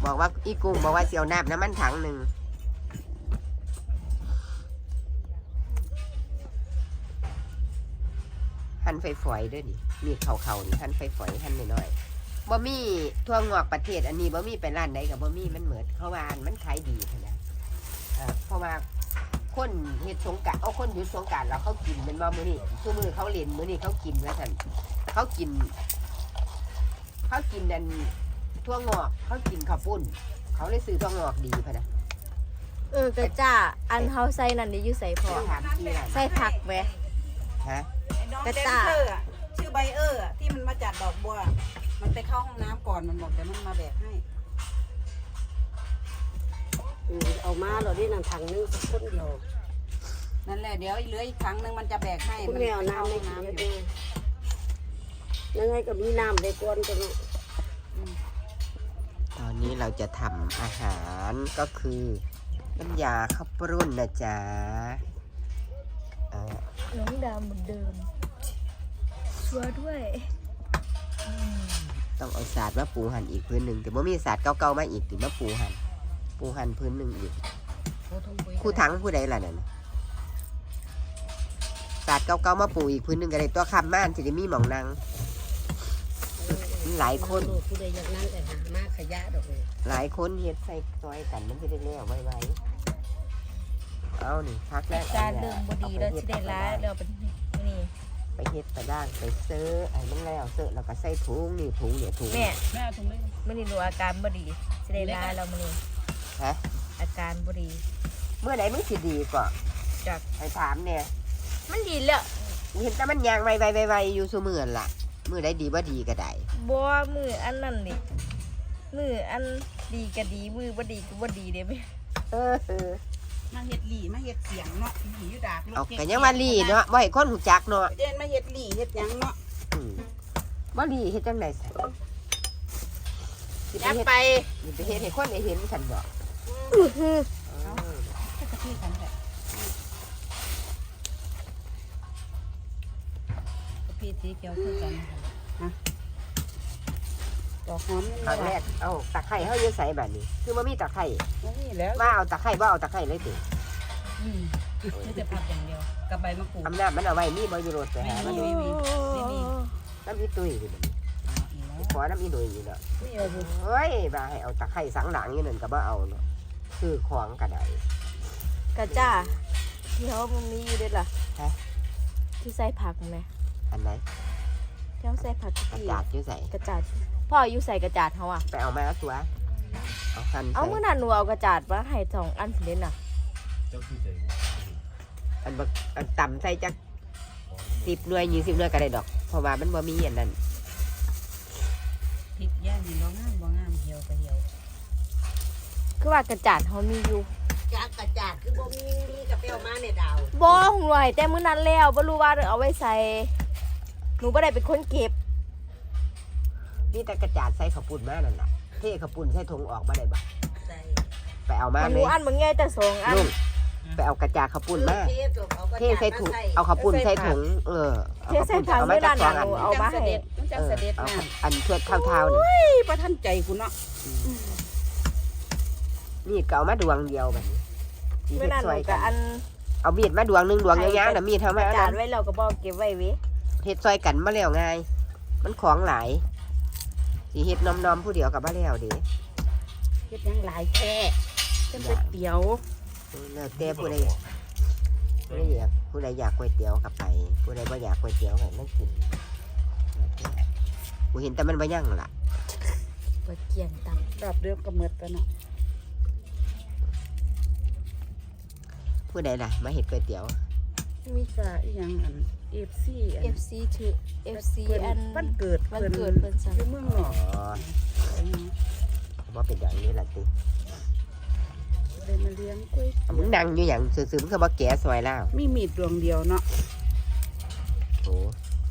บอกว่าอีกุ้งบอกว่าเสียวน้ำมันถังหนึ่งหั่นไฟฝอยด้วยดิมีเขานี่หั่นไฟฝอยหั่นน้อยๆบ่มีทั่วงอกประเทศอันนี้บ่มีไปร้านใดกับบ่มีมันเหมือนเขาว่ามันขายดีนะเพราะว่าคนเฮ็ดสงกรานต์เอาคนหยุดสงกรานต์แล้วเขากินเป็นว่ามื้อนี้ทุกมื้อเขาเล่นมื้อนี้เขากินว่าซั่นเขากินนั่นทั่วงอกเขากินข้าวปุ้นเขาเลยซื้อทั่วงอกดีพะนะกระจ้าอันเฮาใส่นั่นนี่อยู่ใส่พอถามที่ร้านใส่ผักแหมฮะกระจ้าชื่อไบเออร์ที่มันมาจัดดอกบัวมันไปเข้าห้องน้ำก่อนมันบอกเดี๋ยวมันมาแบกให้เอามาเราได้นั่งถังนึงสักคนเดียวนั่นแหละเดี๋ยวเหลืออีกครั้งนึงมันจะแบกให้คุณแมวน้ำไม่กินเยอะยังไงก็มีน้ำได้ก้อนกันเนาะตอนนี้เราจะทำอาหารก็คือน้ำยาข้าวปรุ่นนะจ๊ะน้องดำเหมือนเดิมชัวร์ด้วยต้องเอาศาสตร์มาปูหั่นอีกพื้นหนึ่งแต่ว่ามีศาสตร์เก่าๆมาอีกถึงมาปูหั่นพื้นหนึ่งอีกคู่ทั้งผู้ใดล่ะนั่นศาสตร์เก่าๆมาปูอีกพื้นหนึ่งก็ได้ตัวคำม่านจะได้มีหมองนางหลายคนผู้ใดอยากนั่งแต่หามาขยะดอกเลยหลายคนเฮ็ดใส่ซอยกันมันจะได้เลี้ยวไว้ๆเอานี่พักแล้วจานเดิมบดีเราจะได้ร้ายเราเป็นนี่ไปเฮ็ดไปด่างไปเสื้อไอ้มันแล้วเสื้อแล้วก็ใส่ถุงนี่ถุงเนี่ยถุงแม่แม่ถุงเลยมื่อนี้รู้อาการบดีจะได้ร้ายเรามื่อนี้ฮะอาการบดีเมื่อไหร่มึงสิดีก่อนจากไปถามเนี่ยมันดีแล้วเห็นแต่มันยางไวๆๆๆอยู่ซุมื้อล่ะมื้อใดดีบ่ดีก็ได้บัวมืออันนั่นนี่มืออันดีก็ดีมือบ่ดีก็บ่ดีเด้ไหมเออมาเฮ็ดหลี่มาเฮ็ดเสียงเนาะหลี่อยู่ดากเอาก็ยังว่าลีเนาะบ่ให้คนรู้จักเนาะเดินมาเฮ็ดหลี่เฮ็ดหยังเนาะอืมบ่ลีเฮ็ดจังได๋สิยักไปไปเฮ็ดให้คนได้เห็นฉันบ่ก็กะทิกันแหละกะทิสีเขียวคือกันฮะดอกหอมครั้งแรกเอาตะไคร้เฮาอยู่ไสบัดนี้คือบ่มีตะไคร้นี่แล้วว่าเอาตะไคร้บ่เอาตะไคร้เลยติไม่จะพับอย่างเดียวกับใบมะกรูดอำนาจมันเอาไว้มีบ่อยู่รถไปหามันมีน้ำอีตุ้ยอยู่บัดนี้ขอน้ำอีหนุ่ยอยู่เนาะนี่เอาสิเฮ้ยว่าให้เอาตะไคร้สังหลังอยู่นั่นก็บ่เอาเนาะคือของก็ได้กระจ้าที่เขามันมีอยู่ด้วยล่ะฮะที่ใส่ผักไหมอันไหนที่เขาใส่ผักกระที่จาดอยู่ใส่กระจาดพ่ออยู่ใส่กระจาดเขาอ่ะไปเอามาเอาตัวเอาคันเอาใส่เมื่อนั้นหนูเอากระจาดมาให้2 อันเล่นน่ะอันบักอันต่ำใส่จัก10 หน่วย20 หน่วยก็ได้ดอกเพราะว่ามันบ่มีอันนั้นพริกย่างนี่บ่งามบ่งามเหี่ยวก็เหี่ยวคือว่ากระจาดเขามีอยู่จากกระจาดคือบ่มีกระเปียวมาเนี่ยดาวบ่หน่วยแต่มื้อนั้นแล้วบ่รู้ว่าเอาไว้ใส่หนูบ่ได้เป็นคนเก็บนี่แต่กระจาดใส่ข้าวปุ้นมานั่นน่ะเทข้าวปุ้นใส่ถุงออกมาได้บ่ใส่ไปเอามามันหเลนูยอันมึงไงแต่2 อันลุงไปเอากระจาดข้าวปุ้นมาเทเทใส่ถุงเอาข้าวปุ้นใส่ถุงเอาเทใส่ผักเอามามื้อจานั้กน 2 อันน่ะหนูเอามาให้มันจังเสด็จเอาน้อันเทือดเท่าๆนี่ำประทันใจกูเนาะมีดก็เอามาดวงเดียวแบบนี้มื้อนั้นหนูก็อันเอามีดมาดวงหนึงดวงยาวๆน่ะมีดเท่าก มาระเอาจาดนั้นไว้แล้วก็บ่เก็บไว้เว้ยเฮ็ดซอยกันมาแล้วง่ายมันของหลายสิเฮ็ดน้อมๆผู้เดียวกับมาแล้วเด้เฮ็ดยังหลายแท้จะเป็นเตี๋ยวแล้วแต่ผู้ใดอยากก๋วยเตี๋ยวกับไปผู้ใดบ่อยากก๋วยเตี๋ยวให้มันกินกูเห็นแต่มันบ่ยั่งล่ะบ่เกี่ยงตำรอบเดียวก็หมดแล้วเนาะผู้ใดล่ะมาเฮ็ดก๋วยเตี๋ยวมีกะอีหยังอัน FC อัน FC ถือ FC อันวันเกิดวันเกิดเพิ่นสั่งอยู่เมืองนอ๋อกอบ่เป็นอย่างนี้ล่ะติเลยมาเลี้ยงกล้วยเอามึงนั่งอยู่หยังซื่อๆมึงก็บ่แก่ซอยแล้วมีมีดดวงเดียวเนาะโอ้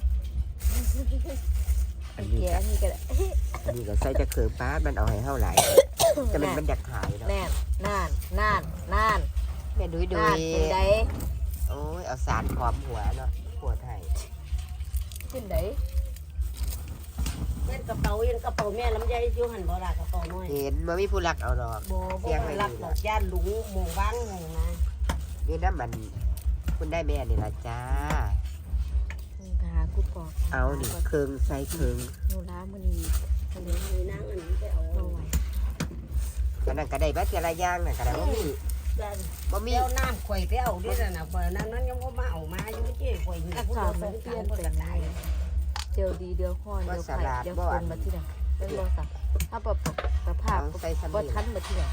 อันนี้เกี่ยอันนี้ก็ได้อันนี้ก็ใส่จะเคือป้าดมันเอาให้เฮาหลายแต่มันอยากขายเนาะแน่นน่านแม่ดุยน่านเป็นไดโอ้ยเอาสารพร้อมหัวเนาะหัวไทยเป็นไดเย็นกระเป๋าแม่ลำไยอยู่หันบ่ล่ะกระเป๋าน้อยเห็นบ่มีผู้รักเอาดอกบ่รักดอกย่านหลุงหมู่บ้างหมู่นะนี่น้ำมันคุณได้แม่นี่ล่ะจ้าไปหากูปอกเอานี่เครื่องใส่เครื่องหนูล้ามื้อนี้ทะเลมีนางอันนี้ไปเอาบ่ไหวก็นั่นก็ได้บัดแต่ละอย่างน่ะก็ได้บ่มีด้านบ่มีเดี๋ยวน้ำข่อยไปเอาดิน่ะบ่นั้นยังบ่มาเอามาอยู่เจ้ข่อยนี่อาผู้กาเดีศยวมัน 2 เปลี่ยน 3 ไปก็ตายเดี๋ยวดีเดี๋ยวฮ้อนเดี๋ยวไข่เดี๋ยวฝนมาที่ไหนเป็นบ่สักถ้าแบบสภาพเอาใส่สำบ่ลีทันมาที่ไหน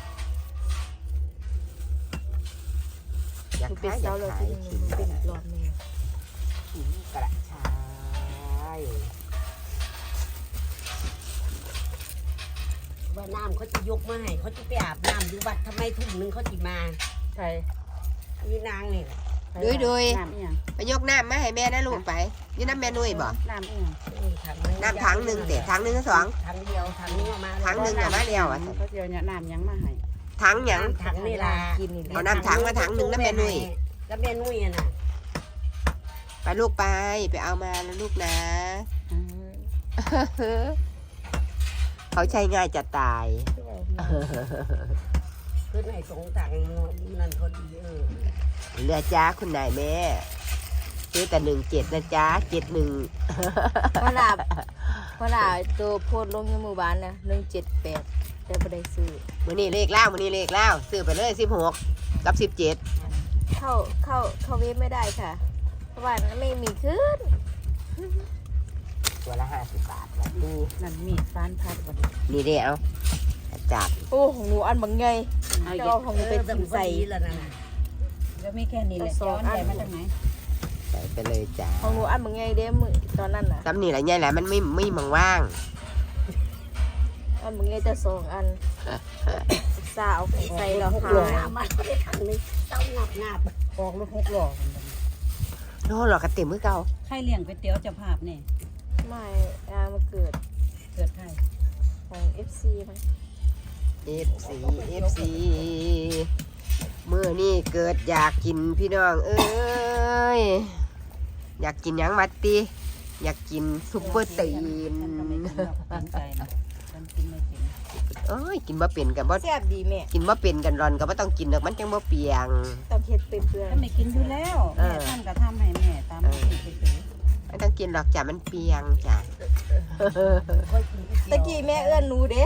อยากคือเป็นขายอเสายากแล้วขายที่นึงมันเป็นอีกรอบนึงขิงกระชายว่าน้ำเขาจะยกมาให้เขาจะไปอาบน้ำอยู่วัดทำไมทุ่มนึงเขาสิมาใช่มีนางนี่โดยน้ำอีหยังไปยกน้ำมาให้แม่นะลูกไปนี่น้ำแม่นุ้ยบ่น้ำอีหยังน้ำถังหนึ่งเตะถังหนึ่งก็สองถังเดียวถังนี้เอามาถังหนึ่งเอามาเดียวอ่ะเขาเดียวเนี่ยน้ำหยังมาให้ถังหยังถังนี่ล่ะกินนี่เอาน้ำถังมาถังหนึ่งน้ำแม่นุ้ยแล้วแม่นุ้ยอ่ะน่ะไปลูกไปเอามาแล้วลูกนะ เขาใช้ง่ายจะตายขึ้นให้สงถังนั่นพอดีเรือจ้าคุณนายแม่ซื้อแต่17นะจ้า71 พอลาตัวโพดลงในหมู่บ้านนะ178แต่บ่ได้ซื้อมื้อนี้เลขเล่ามื้อนี้เลขเล่าซื้อไปเลย16กับ17 เข้าเว็บไม่ได้ค่ะ เพราะว่ามันไม่มีขึ้นตัวละ50 บาทแบบนี้นั่นมีดฟานพัดวันนี้นี่เด้เอาจับโอ้ของหนูอันบางไงจะเอาของหนูไปจิ้มใส่แล้วนั่นน่ะแล้วไม่แค่นี้แหละสองย้อนอันใหญ่มาจากไหนใส่ไปเลยจ้าของหนูอันบางไงเด้มือตอนนั้นน่ะซ้ำนี่แหละใหญ่แหละมันไม่มังว่างอันบางไงจะ2 อันสาวใส่แล้วหหาลอย มาได้ถังนึงเต้างับออกรถ6 ล้อโน่หรอกกระเต็มมือเก่าใครเลี้ยงก๋วยเตี๋ยวเจ้าภาพนี่ไม่มาเกิดเกิดใครของ FC มั้ง FC มื้อนี้เกิดอยากกินพี่น้องเอ้ยอยากกินหยังมัดติอยากกินซุปเปอร์ตีนฉันก็ไม่กินหรอกสนใจนะฉันกินไม่เป็นเอ้ยกินบ่เป็นกับบ่แซ่บดีแม่กินบ่เป็นกันร้อนก็บ่ต้องกินดอกมันจังบ่เปียงต้องเฮ็ดเป็นเพื่อนฉันไม่กินอยู่แล้วแม่ท่านก็ทำให้แม่ตามมากินไปเถอะไม่ต้องกินหรอกจ้ะมันเปียงจ้ะตะกี้แม่เอื้อนหนูเด้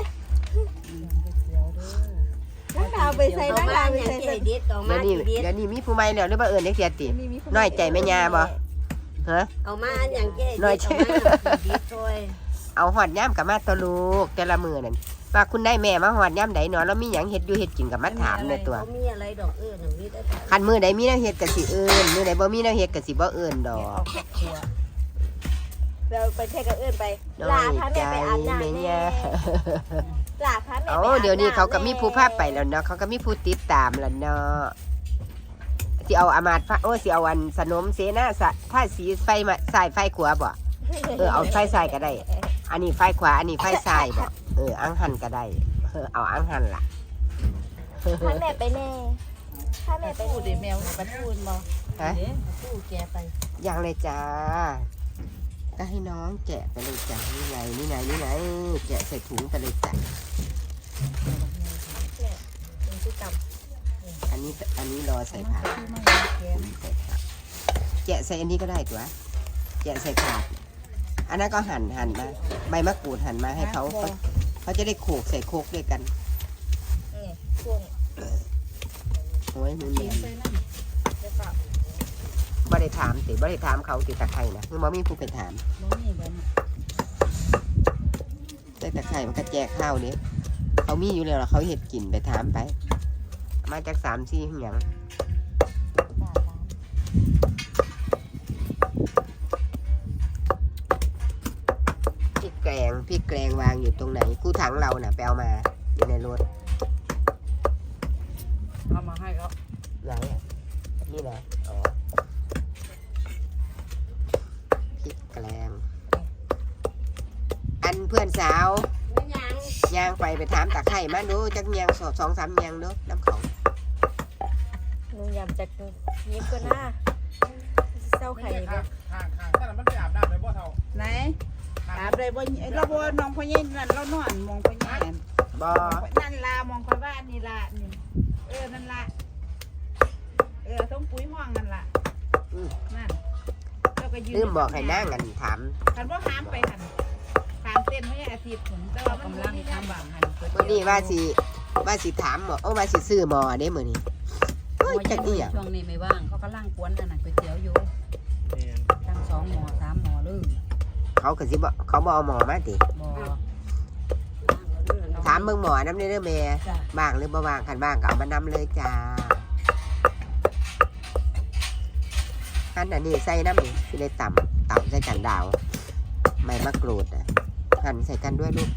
นักดาวไปใส่เอานักมาดาวไปอย่างใส่ที่ไอ้เด็ดเอามาเดี๋ยวนี้ที่เด็ดเดี๋ยวนี้มีผู้ใหม่แล้วหรือบ่เอิ้นจักเสียติ น้อยใจแม่ย่าบ่ ฮะเอามาอย่างที่ไอ้น้อเด็ยดใจเอามาที่เด็ดช่วยเอาหอดย่ามกับมาตัวลูกแต่ละมือนั่นว่าคุณได้แม่มาหอดย่ามใดเนาะแล้วมีหยังเฮ็ดอยู่เฮ็ดกินกับมาถามในตัวเขามีอะไรดอกน่ะมีแต่คันมือใดมีแนวเฮ็ดก็สิเอิ้นมือใดบ่มีแนวเฮ็ดก็สิบ่เอิ้นดอกเราไปเทกับเอื้อนไปน้ลาอยพาใจแม่ไปอาบน้ำแม่แน่ย่าลาพาแม่โอ้ไปอาบน้ำเดี๋ยวนี้เขาก็มีผู้พาไปแล้วเนาะเขาก็มีผู้ติดตามแล้วเนาะสิเอาอามาตย์โอ้สิเอาอันสนมเสนาสะถ้าสีไฟมาสายไฟขวาบ่เอาไฟซ้ายก็ได้ อันนี้ไฟขวาอันนี้ไฟซ้ายบ่อังหันก็ได้เอาอังหันล่ะพาแม่ไปแน่พาแม่ไปพูดดิแมวกระทูนบ่ฮะตู้แกไปยังเลยจ้าก็ให้น้องแกะไปเลยจ้านี่ไงนี่ไงนี่ไงแกะใส่ถุงไปเลยจ้ะเป็นที่ต่อันนี้รอใส่ผักที่ไม่มีแกนใส่ผักแกะใส่อันนี้ก็ได้ตัวแกะใส่ผักอันนั้นก็หั่นมาใบมะกรูดหั่นมาให้เขาจะได้โขกใส่โคกด้วยกันำนี่ช่วงโอ้ยมือกิเนีนยนไปนั่นจะเปล่าบ่ได้ถามติบ่ได้ถามเขาติตะไคร่นะคือบ่มีผู้ไปถามบ่มีแบบนี้แต่ตะไคร่มันก็แจกข้าวเนี้ยเขามีอยู่แล้วล่ะเขาเห็ดกินไปถามไป มาจาก3-4หยังพริกแกงวางอยู่ตรงไหนกู้ถังเราน่ะไปเอามาอยู่ในรถเอามาให้เขาไหนอ่ะนี่นะอ๋อพริกแกงอันเพื่อนสาวไม่ยังย่างไปถามตะไคร่มาดูจักยาง2-3ยางเด้อน้ำเขาหนูยำจากยิบก็น่าเศร้าไข่เลยข้างถ้ามันไปอาบน้ำเลยบ่เท่าไหนถามได้บ่เราบ่น้องพ่อใหญ่นั่นเรานอนมองพ่อใหญ่นั่นบ่นั่นล่ะมองค่อยว่านี่ล่ะนี่นั่นล่ะต้องปุ๋ยห้องนั่นล่ะนั่นแล้วก็ยืนลืมบอกให้นางกันถามคันบ่หามไปหั่นถามเต้นไม่ใช่อาทิตย์ผลแต่ว่ามันบ่มีทางบางหั่นมื้อนี้ว่าสิถามหมอว่าสิซื้อหมอเด้มื้อนี้โอ้ยจักอีหยังช่วงนี้ไม่ว่างเขากำลังกวนอันนั้นก๋วยเตี๋ยวอยู่ตั้ง2 หม้อ 3 หม้อเลยเขาก็สิบ่เขาบ่เอาหมอมาติบ่ถามเบิ่งหมอนำเด้อแม่จ้ะว่างหรือบ่ว่างคันว่างก็เอามานำเลยจ้าคันอันนี้ใส่น้ำนี่สิได้ต่ำใส่กันดาวใบมะกรูดน่ะหั่นใส่กันด้วยลูก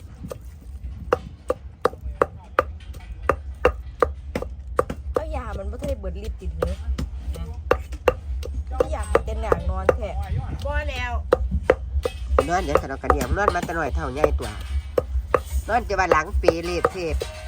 เอายามันบ่ทันได้เบิดฤทธิ์ติดเนื้ออยากกินแต่หนังนอนแท้บ่แล้วนอนเดี๋ยวขนมกันเดียวนอนมาแตะหน่อยเท่าใหญ่ตัวนอนจะว่าหลังปีเลียดเทพ